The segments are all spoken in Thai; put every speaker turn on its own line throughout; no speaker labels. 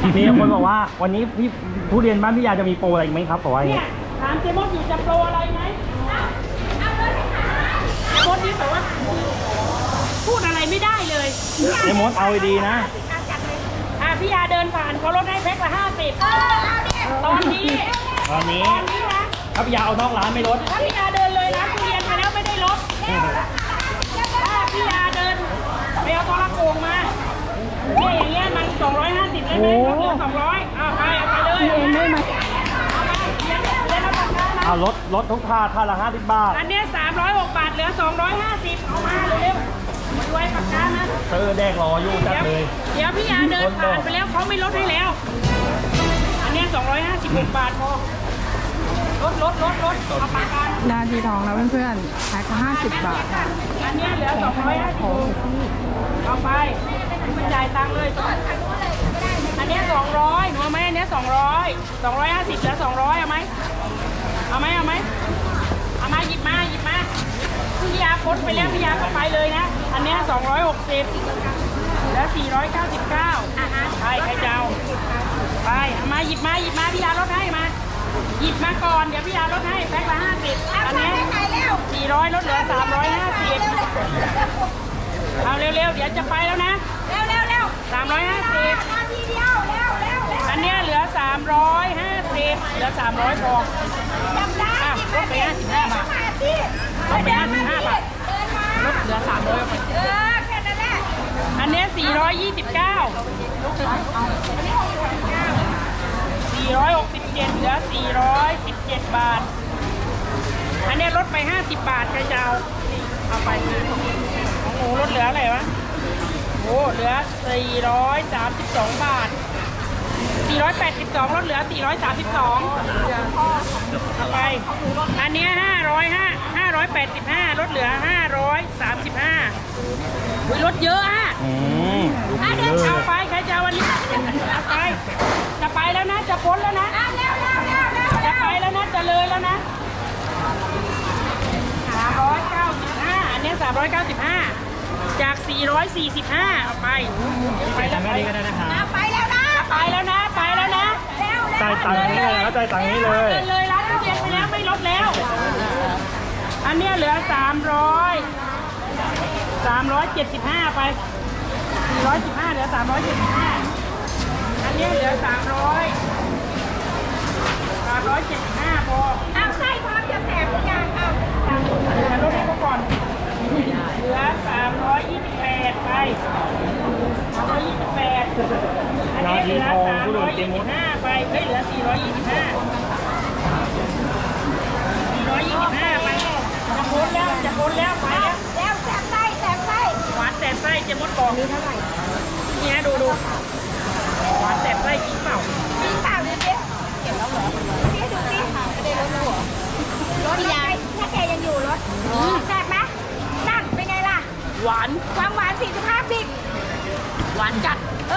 มีคนบอกว่าวันนี้พี่ทุเรียนบ้านพี่ยาจะมีโปรอะไรไหมครับบอกว่าอย่าง
เนี่
เงี้
ย
ย
ถามเจมส์อยู่จะโปรอะไรไหมโพสต์นี้แบบว่าพูดอะไรไม่ได้เลย
เจมดเอาดีๆนะ
พี่ยาเดินผ่านเขาลดให้แพ็คละ50ตอนนี้
ตอนนี้
นะ
ถ้าพี่ยาเอานอกร้านไม่ลด
ถ้าพี่ยาเดินเลยร้านทุเรียนไปแล้วไม่ได้ลดถ้าพี่ยาเดินไปเอาตอละโกงมาเนี่ยอย่างเงี้ยมัน250ได้ไหมลดเหลือ200เอาไปเลยเองได้ไหมเรียนรับประกันนะ
เอาลดทุกท่าละ50 บาท
อันเนี้ย306 บาทเหลือ250เอามาเร็วๆมาด้วยประกันนะ
เธอแดกรออยู่จัดเลย
เดี๋ยวพี่ยาเดินผ่านไปแล้วเขาไม่ลดให้แล้ว อันเนี้ย256 บาทพอลดเอาประกัน
นาทีทองแล้วเพื่อนๆแพ็คละ50 บาทค่ะ
อันเนี้ยเหลือ250เอาไปมันจ่ายตังค์เลยอันเนี้ย200หนูเอาไหมอันเนี้ย200 250เหลือ200เอาไหมเอาไหมเอามาหยิบมาพี่ยาพ้นไปแล้วพี่ยาก็ไปเลยนะอันเนี้ย260แล้ว499ไปใครจะเอาไปเอามาหยิบมาพี่ยาลดให้มาหยิบมาก่อนเดี๋ยวพี่ยาลดให้แพ็คละ50อันเนี้ย400ลดเหลือ350เอาเร็วๆเดี๋ยวจะไปแล้วนะ350อันเนี้ยเหลือ350เหลือ300พอลดไป55 บาทลดไป55 บาทลดเหลือ300ไปอันเนี้ย429 467เหลือ417 บาทอันเนี้ยลดไป50 บาทใครจะเอาไปของหนูลดเหลืออะไรวะโอ้เหลือ432 บาท482ลดเหลือ432เอาไปอันเนี้ย585ลดเหลือ535อุ้ยลดเยอะอ่ะ
ดูดีเลย
เอาไปใครจะวันนี้เอาไปจะไปแล้วนะจะพ้นแล้วนะจะไปแล้วนะจะเลยแล้วนะ395อันเนี้ย395จาก445เอาไปแล้ว
แค่นี้ก็ได้นะคะ
ไปแล้วนะ
จ่ายตังค์นี้เลยนะจ่ายตังค์นี้เลย
เดินเลยร้านทุเรียนไปแล้วไม่ลดแล้วอันเนี้ยเหลือ375ไป415เหลือ375อันเนี้ยเหลือ375พอเอาใช่พร้อมจะแถมทุกอย่างเอาลดให้เขาก่อนเหลือ328ไป328อันนี้เหลือ325ไปเฮ้ยเหลือ425ไปจะพ้นแล้วไปแล้วแสบไส้หวานแสบไส้เจมดบอกนี่เท่าไหร่นี่นะดูหวานแสบไส้จริงเปล่าดูสิเก็บแล้วเหรอพี่ดูสิไม่ได้ลดแล้วเหรอรถยางถ้าแกยังอยู่รถแสบไหมนั่นเป็นไงล่ะหวานความหวาน45 บิกหวานจัด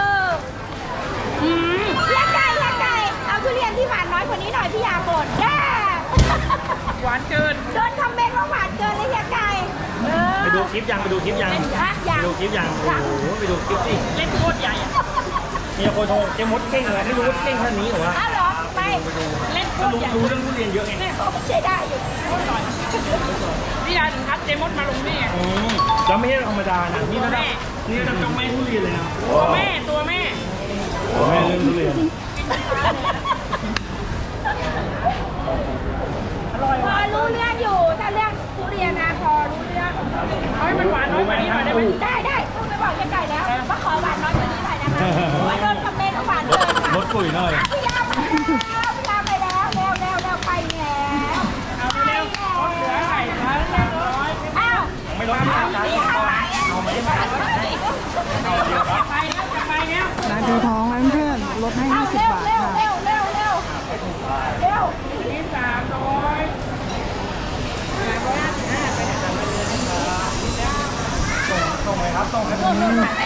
เฮียไก่เอาทุเรียนที่หวานน้อยกว่านี้หน่อยพี่ยาบ่นหวานเกินโดนคอมเมนต์ว่าหวานเกินเลยเฮียไก่
ไปดูคลิปยังไปดูคลิปยังไปดูคลิปยังโอ้โหไปดูคลิปสิ
เล่นโคตรใหญ่อะ
มีคนโทรเจมดเก่งเลยไม่รู้ว่าเก่งขนาดนี้เหรอวะ
อ้าวเหรอไปเล่นโคตรใหญ่
รู้เรื่องทุเรียนเยอะไง
ใช่ได้อยู่พี่ยาถึงคัดเจมดมาลงนี่
แล้วไม่ใช่ธรรมดานะนี่ระดับเจ้าแม่ทุเรียนเลยนะ
ตัวแม่
แม่เรื่องทุเรียน
อร่อย
พอ
ว่ะ
รู้เรื่องอยู่ถ้าเรื่องทุเรียนนะพอรู้เรื่อง
เอาให้มันหวานน้อยกว่านี้หน่อยได้ไหม
ได้พูดไปบอกยังไก่แล้วว่าขอหวานน้อยกว่านี้หน่อยนะคะว่าโดนคอมเมนต์ว่าหวานเกินค่ะ
ลดปุ๋ยหน่อย
พี่ยาไปแล้วเร็วไปแล้ว
เอาเร็วรถเหลือไข่ร้าน300
อ้าว
ไม่ลดที่ร้านก่อนเอาไหม
ไปแล้ว
นาทีทองแล้วเพื่อนๆลดให้
เอา
50 บาทค่ะ
เร็ว
นี่300 355ไปนะครับ
ส่งไหมครับส่งให้
ไอ้